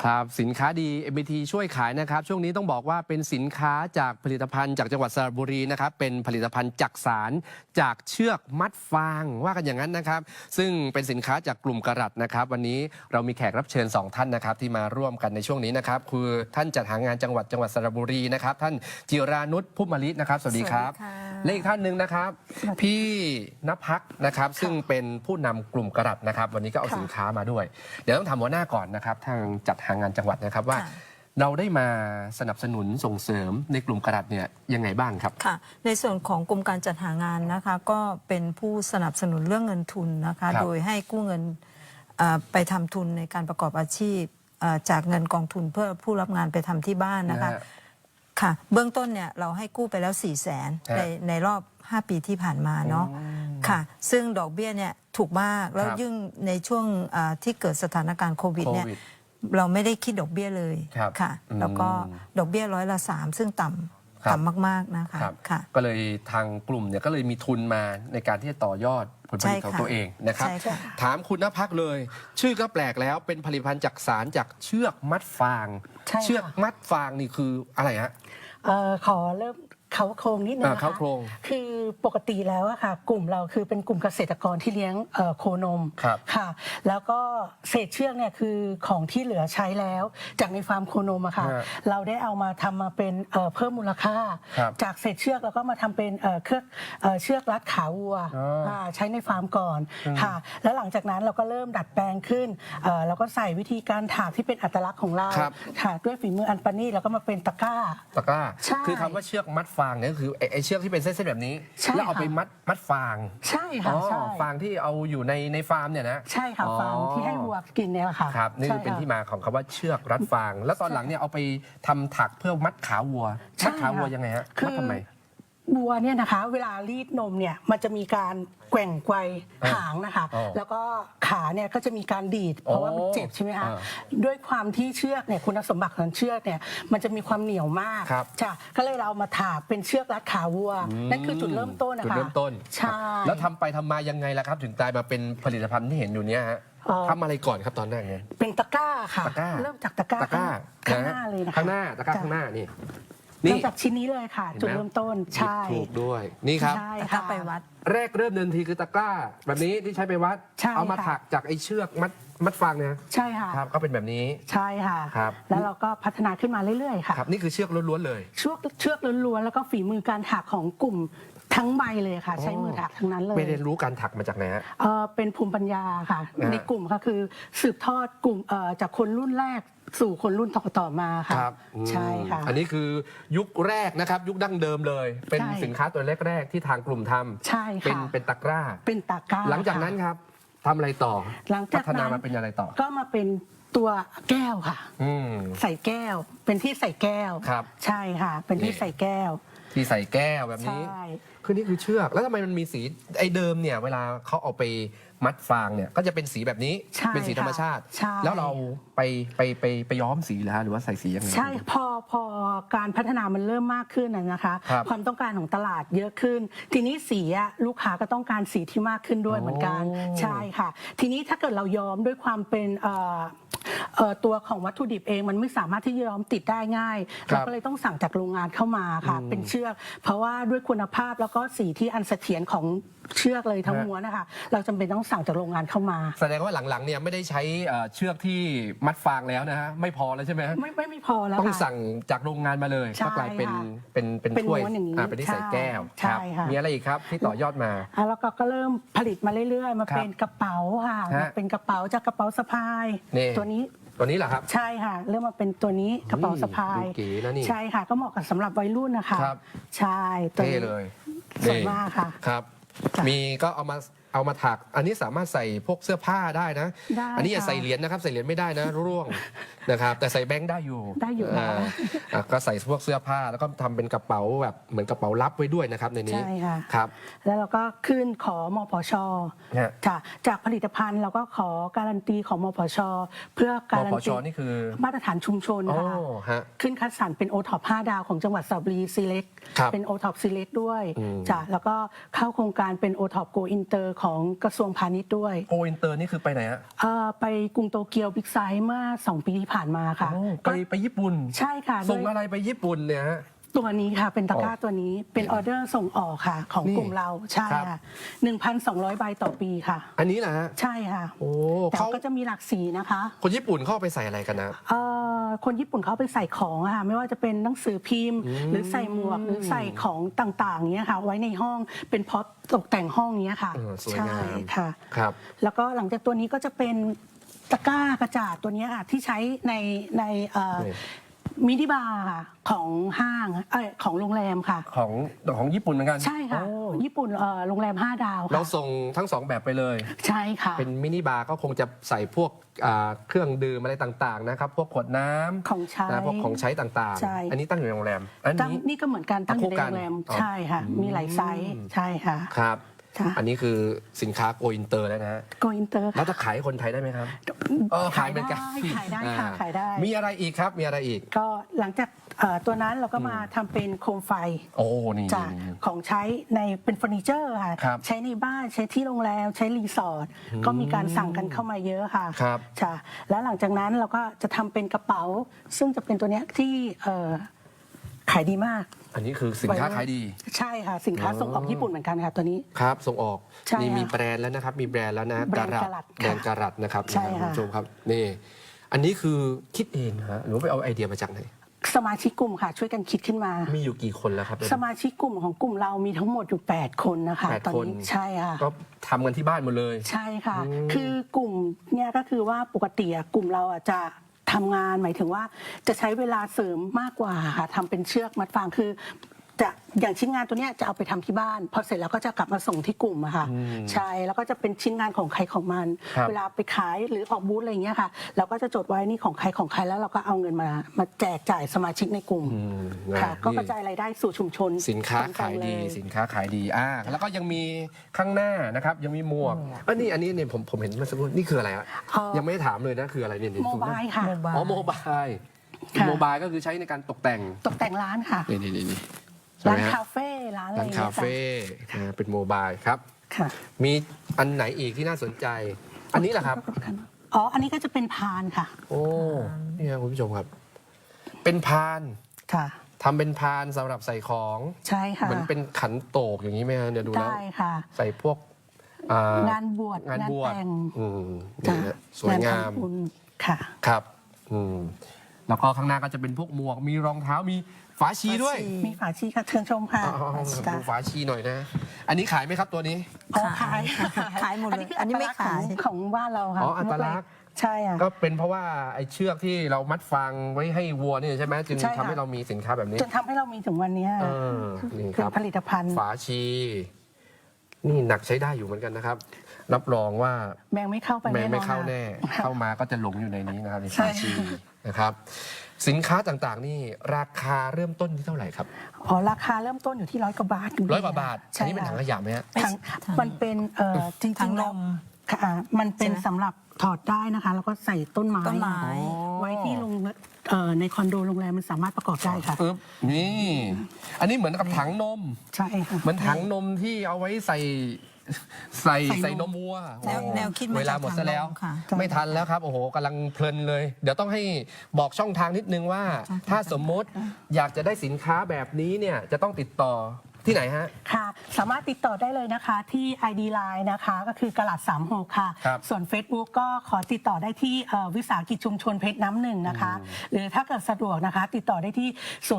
ครับสินค้าดี MBT ช่วยขายนะครับช่วงนี้ต้องบอกว่าเป็นสินค้าจากผลิตภัณฑ์จากจังหวัดสระบุรีนะครับเป็นผลิตภัณฑ์จักสานจากเชือกมัดฟางว่ากันอย่างนั้นนะครับซึ่งเป็นสินค้าจากกลุ่มกระรัตนะครับวันนี้เรามีแขกรับเชิญ2ท่านนะครับที่มาร่วมกันในช่วงนี้นะครับคือท่านจัดหางานจังหวัดสระบุรีนะครับท่านจิรานุช พุ่มมะลินะครับสวัสดีครับและอีกท่านหนึ่งนะครับพี่ณภักนะครับซึ่งเป็นผู้นำกลุ่มกระรัตนะครับวันนี้ก็เอาสินค้ามาด้วยเดี๋ยวต้องถามหัวหน้าก่อนนะครับทางจัดหางานจังหวัดนะครับว่าเราได้มาสนับสนุนส่งเสริมในกลุ่มกระรัตเนี่ยยังไงบ้างครับค่ะในส่วนของกรมการจัดหางานนะคะก็เป็นผู้สนับสนุนเรื่องเงินทุนนะคะโดยให้กู้เงินไปทำทุนในการประกอบอาชีพจากเงินกองทุนเพื่อผู้รับงานไปทำที่บ้านนะคะค่ะเบื้องต้นเนี่ยเราให้กู้ไปแล้ว400,000ในรอบ5 ปีที่ผ่านมาเนาะค่ะซึ่งดอกเบี้ยเนี่ยถูกมากแล้วยิ่งในช่วงที่เกิดสถานการณ์โควิดเนี่ยเราไม่ได้คิดดอกเบี้ยเลยค่ะแล้วก็ดอกเบี้ย3%ซึ่งต่ำมากๆนะคะค่ะก็เลยทางกลุ่มเนี่ยก็เลยมีทุนมาในการที่จะต่อยอดผลผลิตของตัวเองนะครับถามคุณณภักเลย ชื่อก็แปลกแล้วเป็นผลิตภัณฑ์จักสานจากเชือกมัดฟางเชือกมัดฟางนี่คืออะไรฮะขอเริ่มเขาโครงนิดนึงนะคะคือปกติแล้วอะค่ะกลุ่มเราคือเป็นกลุ่มเกษตรกรที่เลี้ยงโคนมค่ะแล้วก็เศษเชือกเนี่ยคือของที่เหลือใช้แล้วจากในฟาร์มโคนมอะค่ะเราได้เอามาทำมาเป็นเพิ่มมูลค่าจากเศษเชือกแล้วก็มาทำเป็นเชือกรัดขาวัวใช้ในฟาร์มก่อนค่ะแล้วหลังจากนั้นเราก็เริ่มดัดแปลงขึ้นแล้วก็ใส่วิธีการถากที่เป็นอัตลักษณ์ของเราค่ะด้วยฝีมืออันประณีตแล้วก็มาเป็นตะกร้าคือคำว่าเชือกมัดฟางเนี่ยคือไอ้เชือกที่เป็นเส้นๆแบบนี้แล้วเอาไปมัดฟางใช่ค่ะฟางที่เอาอยู่ในฟาร์มเนี่ยนะใช่ค่ะฟางที่ให้วัวกินเนี่ยค่ะครับนี่คือเป็นที่มาของคำว่าเชือกรัดฟางแล้วตอนหลังเนี่ยเอาไปทำถักเพื่อมัดขาวัวมัดขาวัวยังไงฮะมัดทำไมวัวเนี่ยนะคะเวลารีดนมเนี่ยมันจะมีการแกว่งไกวหางนะคะแล้วก็ขาเนี่ยก็จะมีการดีดเพราะว่ามันเจ็บใช่ไหมคะด้วยความที่เชือกเนี่ยคุณสมบัติของเชือกเนี่ยมันจะมีความเหนียวมากจ้ะก็เลยเรามาถากเป็นเชือกรัดขาวัวนั่นคือจุดเริ่มต้นนะคะจุดเริ่มต้นใช่แล้วทำไปทำมายังไงล่ะครับถึงกลายมาเป็นผลิตภัณฑ์ที่เห็นอยู่เนี้ยฮะทำอะไรก่อนครับตอนแรกเนี่ยเป็นตะกร้าค่ะเริ่มจากตะกร้าข้างหน้าเลยนะคะข้างหน้าตะกร้าข้างหน้านี่เริ่มจากชิ้นนี้เลยค่ะจุดเริ่มต้นใช่ถูกด้วยนี่ครับตะกร้าไปวัดแรกเริ่มเดินทีคือตะกร้าแบบนี้ที่ใช้ไปวัดเอามาถักจากไอ้เชือกมัดฟางเนี่ยใช่ค่ะครับก็เป็นแบบนี้ใช่ค่ะครับแล้วเราก็พัฒนาขึ้นมาเรื่อยๆค่ะครับนี่คือเชือกล้วนๆเลยเชือกล้วนๆแล้วก็ฝีมือการถักของกลุ่มทั้งใบเลยค่ะใช้มือถักทั้งนั้นเลยไปเรียนรู้การถักมาจากไหนฮะเป็นภูมิปัญญาค่ะในกลุ่มก็คือสืบทอดกลุ่มจากคนรุ่นแรกสู่คนรุ่นต่อมาค่ะใช่ค่ะอันนี้คือยุคแรกนะครับยุคดั้งเดิมเลยเป็นสินค้าตัวแรกๆที่ทางกลุ่มทำใช่ค่ะเป็นตะกร้าหลังจากนั้นครับทำอะไรต่อพัฒนามาเป็นอะไรต่อก็มาเป็นตัวแก้วค่ะใส่แก้วเป็นที่ใส่แก้วใช่ค่ะเป็นที่ใส่แก้วที่ใส่แก้วแบบนี้คือนี่คือเชือกแล้วทำไมมันมีสีไอ้เดิมเนี่ยเวลาเขาเอาไปมัดฟางเนี่ยก็จะเป็นสีแบบนี้เป็นสีธรรมชาติแล้วเราไปย้อมสีหรือว่าใส่สียังไงใช่พอการพัฒนามันเริ่มมากขึ้นนะคะความต้องการของตลาดเยอะขึ้นทีนี้สีลูกค้าก็ต้องการสีที่มากขึ้นด้วยเหมือนกันใช่ค่ะทีนี้ถ้าเกิดเราย้อมด้วยความเป็นตัวของวัตถุดิบเองมันไม่สามารถที่จะย้อมติดได้ง่ายเราก็เลยต้องสั่งจากโรงงานเข้ามาค่ะเป็นเชือกเพราะว่าด้วยคุณภาพแล้วก็สีที่อันเสถียรของเชือกเลยทั้งม้วนนะคะเราจำเป็นต้องสั่งจากโรงงานเข้ามาแสดงว่าหลังๆเนี่ยไม่ได้ใช้เชือกที่มัดฟางแล้วนะฮะไม่พอแล้วใช่ไหมไม่พอแล้วต้องสั่งจากโรงงานมาเลยก็กลายเป็นถ้วยเป็นที่ใส่แก้วครับมีอะไรอีกครับที่ต่อยอดมาแล้วก็เริ่มผลิตมาเรื่อยๆมาเป็นกระเป๋าค่ะเป็นกระเป๋าจากกระเป๋าสะพายตัวนี้เหรอครับใช่ค่ะเริ่มมาเป็นตัวนี้กระเป๋าสะพายใช่ค่ะก็เหมาะกับสำหรับวัยรุ่นนะคะใช่ตัวนี้เลยสวยมากค่ะครับมีก็เอามาถักอันนี้สามารถใส่พวกเสื้อผ้าได้นะอันนี้อย่าใส่เหรียญนะครับใส่เหรียญไม่ได้นะร่วงนะครับแต่ใส่แบงค์ได้อยู่ก็ใส่พวกเสื้อผ้าแล้วก็ทำเป็นกระเป๋าแบบเหมือนกระเป๋าลับไว้ด้วยนะครับในนี้ใช่ค่ะครับแล้วเราก็ขึ้นขอมพชค่ะจากผลิตภัณฑ์เราก็ขอการันตีของมพชเพื่อการันตีนี่คือมาตรฐานชุมชนค่ะขึ้นคัดสรรเป็นโอท็อป5 ดาวของจังหวัดสระบุรีซีเล็กเป็นโอท็อปซีเล็กด้วยจ้ะแล้วก็เข้าโครงการเป็นโอท็อปโกอินเตอร์ของกระทรวงพาณิชย์ด้วยโกอินเตอร์นี่คือไปไหนฮะไปกรุงโตเกียวบิ๊กไซต์เมื่อ2 ปีที่ผ่านมาค่ะไปญี่ปุ่นใช่ค่ะส่งอะไรไปญี่ปุ่นเนี่ยฮะตัวนี้ค่ะเป็นตะกร้าตัวนี้เป็นออเดอร์ส่งออกค่ะของนี่กลุ่มเราใช่ครับค่ะ 1,200 ใบต่อปีค่ะอันนี้นะฮะใช่ค่ะโอ้แต่เขาก็จะมีหลากสีนะคะคนญี่ปุ่นเข้าไปใส่อะไรกันนะคนญี่ปุ่นเขาไปใส่ของอะค่ะไม่ว่าจะเป็นหนังสือพิมพ์ หรือใส่หมวกหรือใส่ของต่างๆเนี้ยค่ะ ไว้ในห้องเป็นพ็อปตกแต่งห้องเนี้ยค่ะสวยใช่งามค่ะครับแล้วก็หลังจากตัวนี้ก็จะเป็นตะกร้ากระจาดตัวเนี้ยค่ะที่ใช้ในมินิบาร์ค่ะของห้างของโรงแรมค่ะของญี่ปุ่นเหมือนกันใช่ค่ะโอ้ญี่ปุ่นโรงแรม 5 ดาวเราค่ะส่งทั้ง2แบบไปเลยใช่ค่ะเป็นมินิบาร์ก็คงจะใส่พวกเครื่องดื่มอะไรต่างๆนะครับ พวกขวดน้ำของใช้นะพวกของใช้ต่างใช่ๆ อันนี้ตั้งอยู่ในโรงแรม อันตั้งนี้นี่ก็เหมือนกันตั้งอยู่ในคู่กันโรงแรมอ๋อใช่ค่ะ มีหลายไซส์ใช่ค่ะครับค่ะอันนี้คือสินค้าโกอินเตอร์แล้วนะฮะโกอินเตอร์แล้วจะขายให้คนไทยได้ไหมครับขายเหมือนได้กันขายได้ค่ะขายได้มีอะไรอีกครับ มีอะไรอีกก็หลังจากตัวนั้นเราก็มาทำเป็นโคมไฟโอ้นี่จากของใช้ในเป็นเฟอร์นิเจอร์ค่ะครับใช้ในบ้านใช้ที่โรงแรมใช้รีสอร์ทก็มีการสั่งกันเข้ามาเยอะค่ะครับค่ะแล้วหลังจากนั้นเราก็จะทำเป็นกระเป๋า ซึ่งจะเป็นตัวเนี้ยที่ขายดีมากอันนี้คือสินค้าขายดีใช่ค่ะ สินค้าส่งออกญี่ปุ่นเหมือนกันค่ะตัวนี้ครับส่งออกใช่นี่มีค่ะแบรนด์แล้วนะครับ มีแบรนด์แล้วนะแบรนด์ Garat แบรนด์การัตนะครับใช่นะครับคุณค่ะผู้ชมครับนี่ อันนี้คือคิดเองฮะหรือว่าไปเอาไอเดียมาจากไหนสมาชิกกลุ่มค่ะ ช่วยกันคิดขึ้นมามีอยู่กี่คนแล้วครับสมาชิกกลุ่มของกลุ่มเรามีทั้งหมดอยู่ 8 คนนะคะ 8 ตอนคนนี้ใช่ค่ะก็ทำกันที่บ้านหมดเลยใช่ค่ะ คือกลุ่มเนี่ยก็คือว่าปกติอะกลุ่มเราอะจะทำงานหมายถึงว่าจะใช้เวลาเสริมมากกว่าค่ะทำเป็นเชือกมัดฟางคือจะอย่างชิ้นงานตัวเนี้ยจะเอาไปทำที่บ้านพอเสร็จแล้วก็จะกลับมาส่งที่กลุ่มอะค่ะใช่แล้วก็จะเป็นชิ้นงานของใครของมันครับเวลาไปขายหรือออกบูธอะไรอย่างเงี้ยค่ะเราก็จะจดไว้นี่ของใครของใครแล้วเราก็เอาเงินมาแจกจ่ายสมาชิกในกลุ่มนะค่ะก็นี่กระจายรายได้สู่ชุมชนสินค้าขายดีตรงๆเลยสินค้าขายดีแล้วก็ยังมีข้างหน้านะครับยังมีหมวกอันนี้เนี่ยผมเห็นเมื่อสักครู่นี่คืออะไรฮะยังไม่ได้ถามเลยนะคืออะไรเนี่ยโมบายค่ะอ๋อโมบายค่ะโมบายก็คือใช้ในการตกแต่งตกแต่งร้านค่ะนี่ใช่ร้าไหมนฮะคาเฟ่ร้านอะไรร้านอย่งคางี้ยเฟ่เป็นโมบายครับค่ะมีอันไหนอีกที่น่าสนใจ อันนี้แหละครับอ๋อ อันนี้ก็จะเป็นพานค่ะโอ้นี่ครับคุณผู้ชมครับ เป็นพานค่ะทำเป็นพานสำหรับใส่ของใช่ค่ะเหมือนเป็นขันโตกอย่างนี้ไหมฮะเนี่ยดูแล้วได้ค่ะใส่พวกงานบวชงานบวชแต่งนี่ฮะสวยงามทำบุญค่ะครับแล้วก็ข้างหน้าก็จะเป็นพวกหมวก มีรองเท้ามีฝาชีด้วยมีฝาชีค่ะเชิญชมค่ะดูฝาชีหน่อยนะ อันนี้ขายไหมครับตัวนี้อ๋อขายขายหมดเลยคือันนี้ไม่ขายของบ้านเราค่ะอ๋ออัตลักษณ์ใช่ค่ะก็เป็นเพราะว่าไอ้เชือกที่เรามัดฟางไว้ให้วัวนี่ใช่ไหมจึงใช่ค่ะทำให้เรามีสินค้าแบบนี้จนทำให้เรามีถึงวันเนี้ยนี่คเป็นรับผลิตภัณฑ์ฝาชี นี่หนักใช้ได้อยู่เหมือนกันนะครับ รับรองว่าแมงไม่เข้าไปแม่แน่นอนไม่เข้าแน่ค่ะเข้ามาก็จะหลงอยู่ในนี้นะครับในใช่ฝาชีนะครับ สินค้าต่างๆ นี่ราคาเริ่มต้นที่เท่าไหร่ครับอ๋อราคาเริ่มต้นอยู่ที่100 กว่าบาท 100 กว่าบาท อันใช่นี้เป็นถังขยะไหมฮะถังมันเป็นจริงๆถังนแล้วมค่ะมันเป็นใช่ไหมสำหรับถอดได้นะคะ แล้วก็ใส่ต้นไม้ต้นไม้ไว้ที่ในคอนโดโรงแรมมันสามารถประกอบได้ค่ะปึ๊บนี่ อันนี้เหมือนกับถังนมใช่ค่ะเหมือนถังนมที่เอาไว้ใส่นมวัวแนวคิดมาจากเวลาหมดซะแล้วถังนมค่ะไม่ทันแล้วครับ โอ้โหกำลังเพลินเลย เดี๋ยวต้องให้บอกช่องทางนิดนึงว่า ถ้าสมมติอยากจะได้สินค้าแบบนี้เนี่ยจะต้องติดต่อที่ไหนฮะค่ะ สามารถติดต่อได้เลยนะคะที่ ID Line นะคะก็คือกระหลัด36ค่ะครับส่วน Facebook ก็ขอติดต่อได้ที่วิสาหกิจชุมชนเพชรน้ำหนึ่งนะคะ หรือถ้าเกิดสะดวกนะคะ ติดต่อได้ที่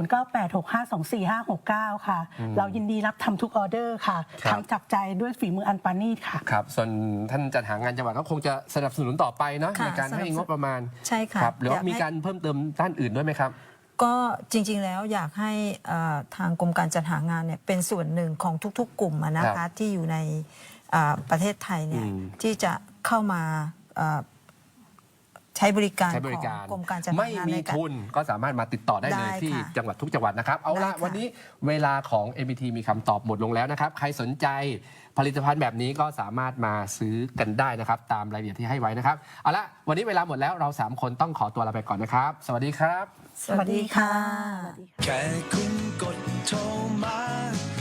0986524569 ค่ะ เรายินดีรับทำทุกออเดอร์ค่ะครับทำจากใจด้วยฝีมืออันปานีตค่ะครับ ส่วนท่านจัดหางานจังหวัดก็คงจะสนับสนุนต่อไปเนาะค่ะในการให้งบประมาณใช่ค่ะครับหรือว่าอยากให้มีการเพิ่มเติมด้านอื่นด้วยไหมครับก็จริงๆแล้วอยากให้ทางกรมการจัดหางานเนี่ยเป็นส่วนหนึ่งของทุกๆ กลุ่มอะนะครัคะบที่อยู่ในประเทศไทยเนี่ยอืมที่จะเข้ามาใช้บริการใช้บขริองการกรมการจัดหาไม่งานมีในการทุนก็สามารถมาติดต่อได้เลยได้ที่ค่ะจังหวัดทุกจังหวัดนะครับ เอาได้ละค่ะวันนี้เวลาของ MBT มีคำตอบหมดลงแล้วนะครับ ใครสนใจผลิตภัณฑ์แบบนี้ก็สามารถมาซื้อกันได้นะครับ ตามรายละเอียดที่ให้ไว้นะครับ เอาละวันนี้เวลาหมดแล้วเรา 3 คนต้องขอตัวลาไปก่อนนะครับ สวัสดีครับสวัสดีค่ะแค่คุณกดโทรมา